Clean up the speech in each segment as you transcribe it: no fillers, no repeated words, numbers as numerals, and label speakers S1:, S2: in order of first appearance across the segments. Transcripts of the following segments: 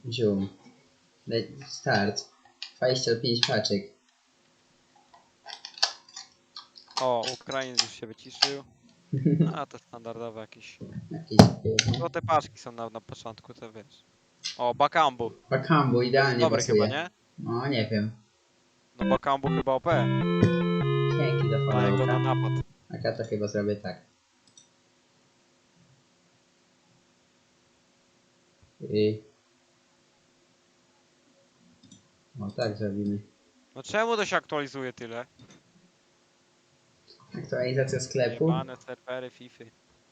S1: Zium. Start. 25 paczek.
S2: O, Ukrainiec już się wyciszył. A to standardowe jakieś.
S1: Jakieś
S2: No te paczki są na początku, to wiesz. O, Bakambu.
S1: Bakambu
S2: To jest
S1: idealnie
S2: dobry chyba,
S1: pasuje.
S2: nie?
S1: No nie wiem.
S2: No Bakambu chyba OP.
S1: Dzięki za
S2: Na jego na
S1: followka.
S2: napad.
S1: A ja to chyba zrobię tak. I... O tak zrobimy.
S2: No czemu to się aktualizuje tyle?
S1: Aktualizacja sklepu.
S2: Jebane serwery FIFA.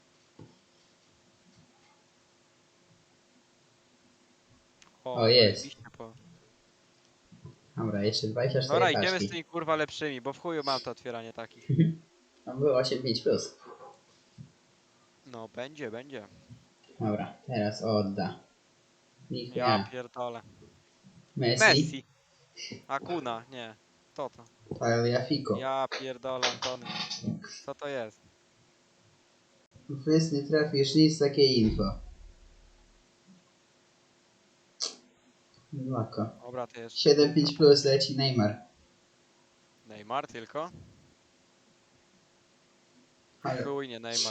S1: O, jest.
S2: zajebiście po.
S1: Dobra, jeszcze 24
S2: Dobra, idziemy z
S1: paczki.
S2: tymi kurwa lepszymi, bo w chuju mam to otwieranie takich.
S1: Tam było 8,5 plus.
S2: No, będzie.
S1: Dobra, teraz odda. Nikt
S2: Ja
S1: nie.
S2: pierdolę.
S1: Messi.
S2: Messi. Akuna, nie. Kto to?
S1: Tagliafico.
S2: Ja pierdolę Antony. Co to jest?
S1: Fys nie trafisz nic, takie info. Lako.
S2: Dobra, to jest
S1: 7,5 plus leci Neymar.
S2: Neymar tylko?
S1: Ale
S2: Chuj, nie Neymar.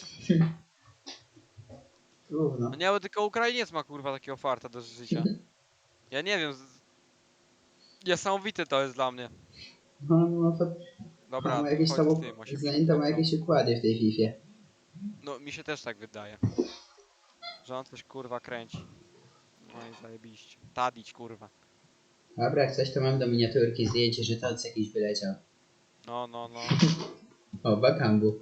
S1: równo.
S2: No nie, bo tylko Ukrainiec ma kurwa takiego farta do życia. Ja nie wiem. Niesamowite to jest dla mnie.
S1: No to
S2: Dobra,
S1: ma
S2: tu
S1: jakieś tam,
S2: chodź z tym 80.
S1: to ma jakieś układy w tej Fifie.
S2: No mi się też tak wydaje. Że on coś kurwa kręci. No i zajebiście. Tadić kurwa.
S1: Dobra, jak coś to mam do miniaturki zdjęcie, że toc jakiś wyleciał.
S2: No.
S1: O, Bakambu.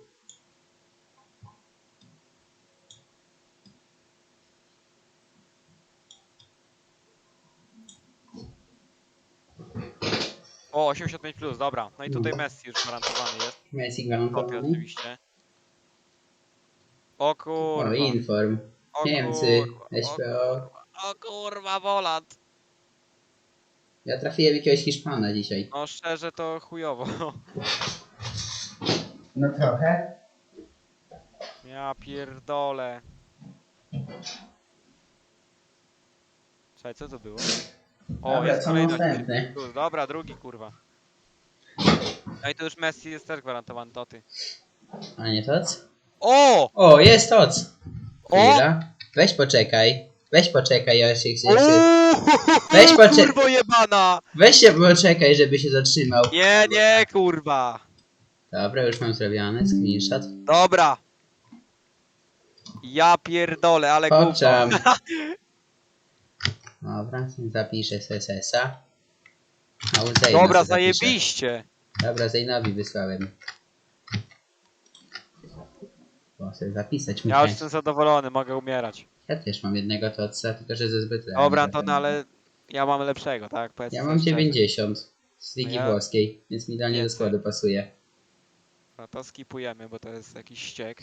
S2: O, 85 plus, dobra. No i tutaj Messi już gwarantowany jest.
S1: Messi
S2: Kopia
S1: gwarantowany.
S2: oczywiście. O
S1: O,
S2: kurwa.
S1: Inform.
S2: O
S1: Niemcy.
S2: kurwa.
S1: SPO.
S2: O kurwa, Woland.
S1: Ja trafiłem jakiegoś Hiszpana dzisiaj.
S2: No szczerze to chujowo.
S1: No trochę.
S2: Ja pierdolę. Czekaj, co to było? O,
S1: Dobra,
S2: jest
S1: co
S2: kolejny
S1: następny?
S2: 85 plus. Dobra, drugi kurwa. No i to już Messi jest też gwarantowany, to ty.
S1: A nie toc?
S2: O!
S1: O, jest toc!
S2: O!
S1: Chwila. Weź poczekaj, ja się chcę.
S2: Weź
S1: poczekaj.
S2: kurwo jebana!
S1: Weź się poczekaj, żeby się zatrzymał.
S2: Nie, kurwa!
S1: Dobra, już mam zrobione, screenshot.
S2: Dobra! Ja pierdolę, ale gówno.
S1: Popczam. Dobra, zapiszę SSS-a. A u Zeyna
S2: Dobra,
S1: se zapiszę.
S2: zajebiście!
S1: Dobra, Zeynowi wysłałem. Bo sobie zapisać
S2: Ja już
S1: muszę.
S2: jestem zadowolony, mogę umierać.
S1: Ja też mam jednego totsa, tylko że ze zbyt
S2: Dobra, Antony, ale ja mam lepszego, tak? Powiedz
S1: Ja
S2: sobie
S1: mam
S2: szczerze.
S1: 90 z ligi
S2: Ja-
S1: włoskiej, więc mi idealnie do
S2: Więcej.
S1: składu pasuje.
S2: No to skipujemy, bo to jest jakiś ściek.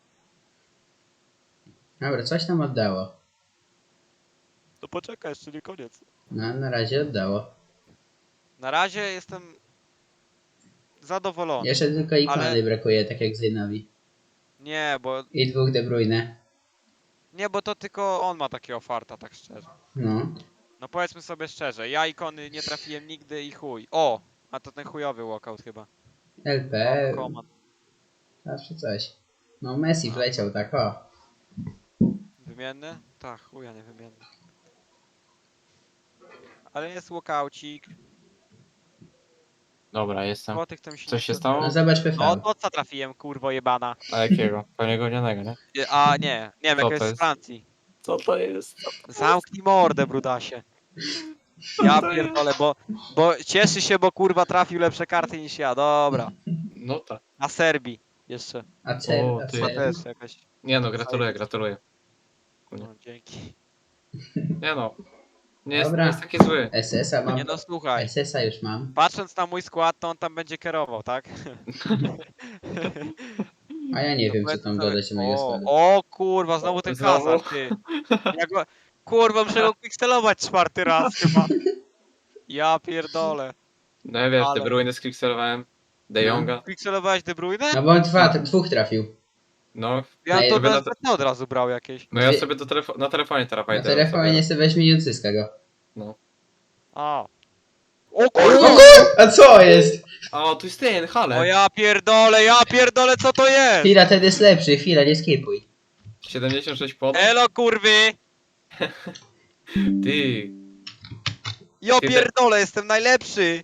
S1: Dobra, coś nam oddało.
S2: To poczekaj, jeszcze nie koniec.
S1: No, na razie oddało.
S2: Na razie jestem zadowolony.
S1: Jeszcze tylko ikony
S2: Ale-
S1: brakuje, tak jak Zeynowi.
S2: Nie, bo
S1: I 2 De Bruyne.
S2: to tylko on ma takiego farta, tak szczerze.
S1: No.
S2: No powiedzmy sobie szczerze, ja ikony nie trafiłem nigdy i chuj. O! A to ten chujowy walkout chyba.
S1: LP.
S2: Command.
S1: Zawsze coś. No Messi wleciał tak, o.
S2: Wymienny? Tak, chuja nie wymienny. Ale jest walkaucik.
S3: Dobra, jestem.
S2: Złotych to mi się
S3: Co
S2: nie
S3: się
S2: chce.
S3: stało?
S1: No zobacz PV.
S2: No to co trafiłem, kurwo jebana.
S3: A jakiego? Poniego nie?
S2: A nie wiem,
S3: Co
S2: jaka
S3: to
S2: jest z
S3: jest?
S2: Francji.
S3: Co to jest?
S2: Zamknij mordę, brudasie. Ja pierdolę, bo cieszy się, bo kurwa trafił lepsze karty niż ja. Dobra.
S3: No tak.
S2: Na Serbii jeszcze.
S1: A cel,
S3: O,
S1: a
S3: ty.
S2: To
S1: cel.
S2: też jakaś.
S3: Nie no, gratuluję.
S2: No, dzięki.
S3: Nie no. Nie jest,
S1: Dobra.
S3: nie jest taki zły.
S1: SS-a mam.
S2: Nie no słuchaj.
S1: SS-a już mam.
S2: Patrząc na mój skład, to on tam będzie kierował, tak?
S1: A ja nie
S2: To
S1: wiem, co
S2: powiedzmy
S1: tam
S2: sobie-
S1: dodać do mojego składu.
S2: O kurwa, znowu ten
S3: Znowu?
S2: hazard, ty. Ja go, kurwa, muszę go pikselować 4. raz chyba. Ja pierdolę.
S3: No ja wiesz,
S2: Ale-
S3: De Bruyne sklikserowałem. De
S1: No.
S3: Jonga.
S2: Pikselowałeś De Bruyne?
S1: No bo on dwóch trafił.
S3: No,
S2: Ja
S1: Ej,
S2: to
S3: wy na-
S2: od razu brał jakieś.
S3: no ja
S1: Wy-
S3: sobie na telefonie teraz
S1: Na
S3: fajdę
S1: telefonie
S3: sobie.
S1: sobie weźmie i odzyska go.
S3: No.
S2: O. O
S1: O
S2: kurwa!
S1: kur... A co jest?
S3: O, tu jest ten,
S2: O
S3: Hale.
S2: ja pierdolę, co to jest?
S1: Chwila, ten jest lepszy, chwila, nie skipuj.
S3: 76 podał?
S2: Elo kurwy!
S3: Ty.
S2: Ja
S3: Ty te-
S2: pierdolę, jestem najlepszy!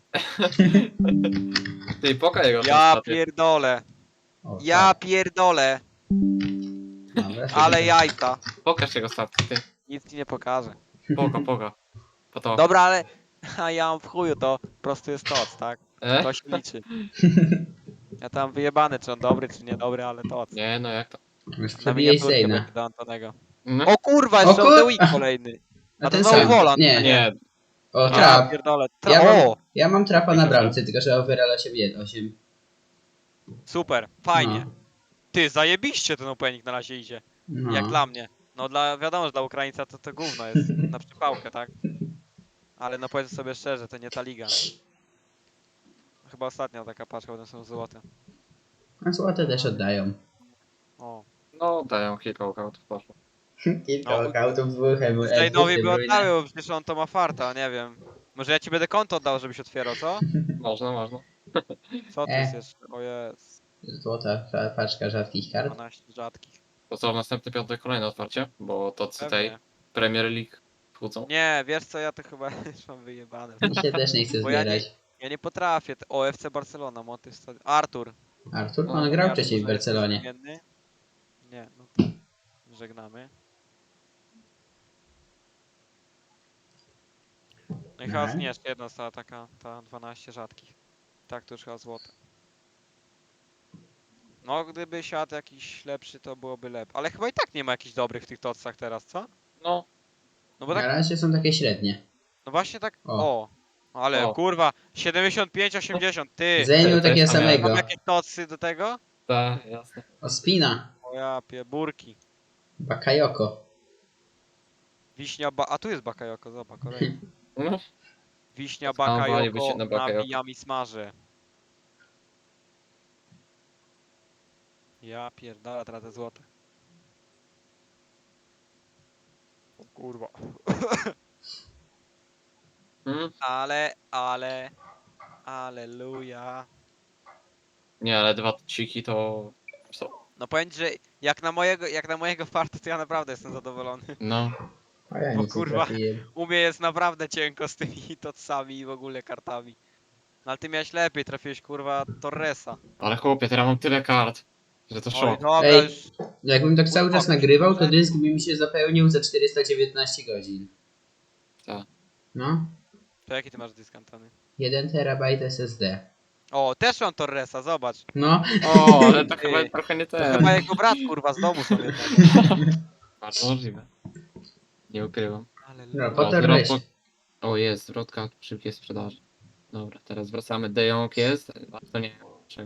S3: Ty, pokaż jego
S2: Ja
S3: ostatnio.
S2: pierdolę.
S1: O,
S2: Ja
S1: tak.
S2: pierdolę.
S1: Dobra,
S2: Ale
S1: sobie
S2: jajca.
S3: Pokaż jego statki, ty.
S2: Nic ci nie pokażę.
S3: Poga. Po to.
S2: Dobra, ale... A ja mam w chuju, to po prostu jest toc, tak? To się liczy. Ja tam wyjebany, czy on dobry, czy niedobry, ale toc.
S3: Nie, no jak to?
S1: Już
S2: Na
S1: przebiłeś
S2: miniaturkę
S1: Zeyna.
S2: będzie do Antonego.
S3: No.
S2: O kurwa,
S1: O
S2: jeszcze
S1: kur-
S2: The Week kolejny.
S1: A
S2: A to
S1: ten
S2: znowu
S1: sam.
S2: Wolan.
S1: Nie.
S2: a
S3: Nie.
S1: O,
S2: Ja
S1: trap.
S2: pierdolę.
S1: Ja
S2: O!
S1: mam trapa na
S3: Jak to
S1: bramce, tylko że overall 8.
S2: Super, fajnie.
S1: No.
S2: Ty, zajebiście ten opening na razie idzie.
S1: No.
S2: Jak dla mnie. No wiadomo, że dla Ukraińca to gówno jest na przypałkę, tak? Ale no powiedzmy sobie szczerze, to nie ta liga. Chyba ostatnia taka paczka, one są złote.
S1: A złote też oddają.
S2: O.
S3: No, dają kilka walkoutów, poszło.
S1: Kilka
S2: No.
S1: walkoutów dwóch
S2: Zainowi by oddały, bo przecież on to ma farta, nie wiem. Może ja ci będę konto oddał, żebyś otwierał, co?
S3: Można.
S2: Co to jest jeszcze? O jest,
S1: Złota paczka rzadkich kart.
S2: 12 rzadkich.
S3: To co, w następny piątek kolejne otwarcie? Bo to tej
S2: Pewnie.
S3: Premier League wchodzą.
S2: Nie, wiesz co, ja to chyba już mam wyjebane.
S1: Mi się też nie chce
S2: Bo ja nie-
S1: zbierać.
S2: Ja nie potrafię. O, FC Barcelona, motyw stadion. Artur.
S1: Artur,
S3: No,
S1: on grał
S2: Artur,
S1: wcześniej w
S2: że jesteś
S1: Barcelonie.
S2: zmienny? Nie, no to żegnamy. No i chyba
S1: Mhm.
S2: nie, jeszcze jedna została taka, ta 12 rzadkich. Tak, to już chyba złote. No, gdyby siadł jakiś lepszy, to byłoby lepiej. Ale chyba i tak nie ma jakichś dobrych w tych tocach teraz, co?
S3: No,
S2: No bo
S1: Na
S2: tak,
S1: razie są takie średnie.
S2: no właśnie tak,
S1: O.
S2: o. Ale
S3: O.
S2: kurwa, 75-80, ty!
S1: Zeynu
S3: to
S1: takiego
S3: jest tam
S1: samego.
S2: Mam jakieś tocy do tego?
S3: tak, jasne.
S1: Ospina.
S2: O ja burki.
S1: Bakayoko.
S2: Wiśnia a tu jest bakajoko, zobacz, kolejny.
S3: No,
S2: Wiśnia
S3: Załamaliby się
S2: bakajoko,
S3: na bakajoko.
S2: nawijam i smażę. Ja pierdolę, tracę złote. O kurwa. Aleluja.
S3: Nie, ale dwa ciki to... Co?
S2: No powiem ci, że jak na mojego farta, to ja naprawdę jestem zadowolony.
S3: No,
S1: A ja
S2: Bo
S1: nic nie
S2: kurwa.
S1: trafiłem.
S2: U mnie jest naprawdę cienko z tymi tocami i w ogóle kartami. No ale ty miałeś lepiej, trafiłeś kurwa Torresa.
S3: ale chłopie, teraz mam tyle kart, że to
S2: Oj,
S3: szok.
S2: dobra,
S1: Ej.
S2: już.
S1: Jakbym tak cały czas
S2: Kurwa,
S1: nagrywał, to
S2: może?
S1: dysk by mi się zapełnił za 419 godzin.
S3: Tak.
S1: No.
S2: To jaki ty masz dysk, Antony?
S1: 1 terabajt SSD.
S2: O, też mam Torresa, zobacz.
S1: No.
S3: O, ale to
S2: Ty.
S3: chyba trochę nie
S2: To
S3: ten.
S2: chyba jego brat kurwa z domu są jednak.
S3: Bardzo możliwe. Nie ukrywam.
S1: No,
S3: O,
S1: potem
S3: zwrot
S1: weź.
S3: O, jest, zwrotka szybkiej sprzedaży. Dobra, teraz wracamy. De Jong jest. A to nie wiem czego.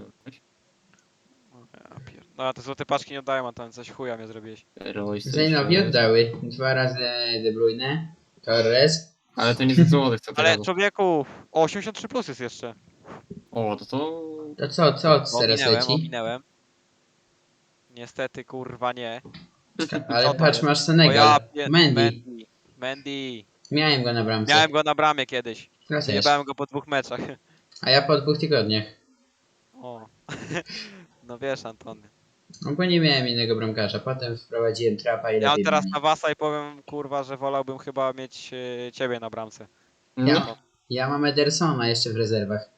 S2: No a te złote paczki nie oddają, Antony, coś chuja mnie zrobiłeś.
S3: Royce
S1: Zeynowi
S3: jest.
S1: oddały. 2 razy De Bruyne. Torres.
S3: Ale to nie ze złotych, co
S2: Ale
S3: teraz.
S2: człowieku, o 83 plus jest jeszcze.
S3: O, to...
S1: To co teraz leci?
S2: Ominęłem. Niestety kurwa nie.
S1: Ale
S2: Co to
S1: patrz,
S2: jest?
S1: masz
S2: O
S1: Senegal.
S2: ja
S1: Mendy.
S2: Mendy.
S1: Miałem go na bramce.
S2: Miałem go na bramie kiedyś.
S1: Ja też.
S2: Zjebałem go po 2 meczach.
S1: A ja po 2 tygodniach.
S2: O. No wiesz, Antony.
S1: No bo nie miałem innego bramkarza. Potem wprowadziłem trapa i
S2: Ja mam
S1: lepiej
S2: teraz
S1: było.
S2: na wasa i powiem kurwa, że wolałbym chyba mieć ciebie na bramce.
S3: No.
S1: Ja mam Edersona jeszcze w rezerwach.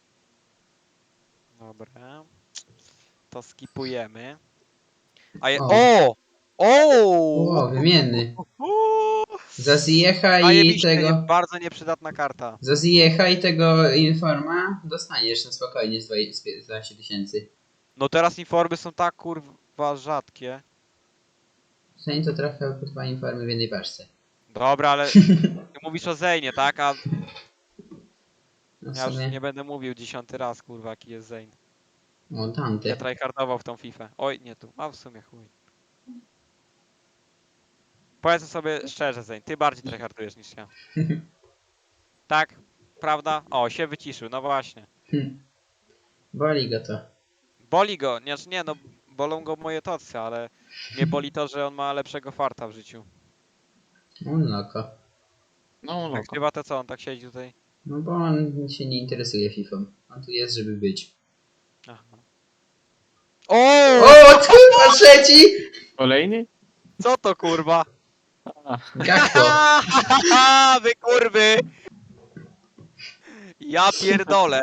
S2: Dobra. To skipujemy. A je...
S1: O.
S2: O!
S1: O, wymienny.
S2: Uuu.
S1: Za Ziyech i
S2: Zajebiście,
S1: tego...
S2: bardzo nieprzydatna karta.
S1: Za Ziyech i tego Informa dostaniesz na spokojnie z 12 tysięcy.
S2: No teraz informy są tak kurwa rzadkie.
S1: Zanim to trafiał po 2 Informy w jednej paczce.
S2: Dobra, ale ty mówisz o Zejnie, tak? A
S1: No w
S2: ja już
S1: sumie...
S2: nie będę mówił 10 raz kurwa jaki jest Zejn.
S1: O, Dante.
S2: Ja tryhardował w tą FIFA. Oj, nie tu. A w sumie chuj. Powiedzmy sobie szczerze, Zejn, ty bardziej tryhardujesz niż ja. Tak? Prawda? O, się wyciszył, no właśnie.
S1: Boli go to.
S2: Boli go, nie no, bolą go moje tocy, ale mnie boli to, że on ma lepszego farta w życiu.
S1: Unloko.
S3: No,
S2: Jak
S3: loko.
S2: chyba to co, on tak siedzi tutaj?
S1: No bo on się nie interesuje FIFA. On tu jest, żeby być.
S2: Aha. O!
S1: O, kurwa, trzeci!
S3: Kolejny?
S2: Co to kurwa?
S3: A,
S1: Gakpo.
S2: Wy kurwy! Ja pierdolę.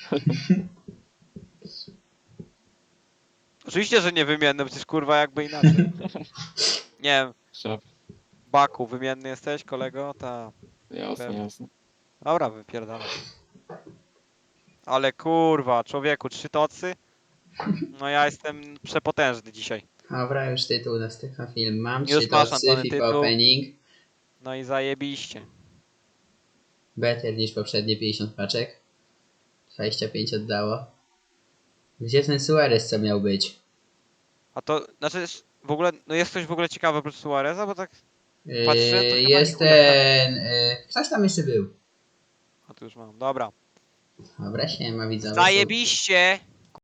S2: Oczywiście, że nie wymienny, przecież kurwa jakby inaczej. Nie wiem,
S3: szaf.
S2: Baku, wymienny jesteś, kolego? Ta.
S3: Jasne,
S2: Pewnie.
S3: jasne.
S2: Dobra, wypierdolę. Ale kurwa, człowieku, 3 tocy? No ja jestem przepotężny dzisiaj.
S1: Dobra, już tytuł następny film mam.
S2: Już
S1: 3
S2: masz,
S1: tocy,
S2: Antony,
S1: FIFA
S2: tytuł.
S1: opening.
S2: No i zajebiście.
S1: Better niż poprzednie 50 paczek. 25 oddało. Gdzie ten Suarez co miał być?
S2: A to, znaczy, w ogóle, no jest coś w ogóle ciekawe oprócz Suareza, bo tak patrzyłem, to chyba
S1: Jest
S2: nie chuja tam.
S1: ten... ktoś tam jeszcze był.
S2: A tu już mam, dobra.
S1: Dobra, siema widzowie.
S2: Zajebiście!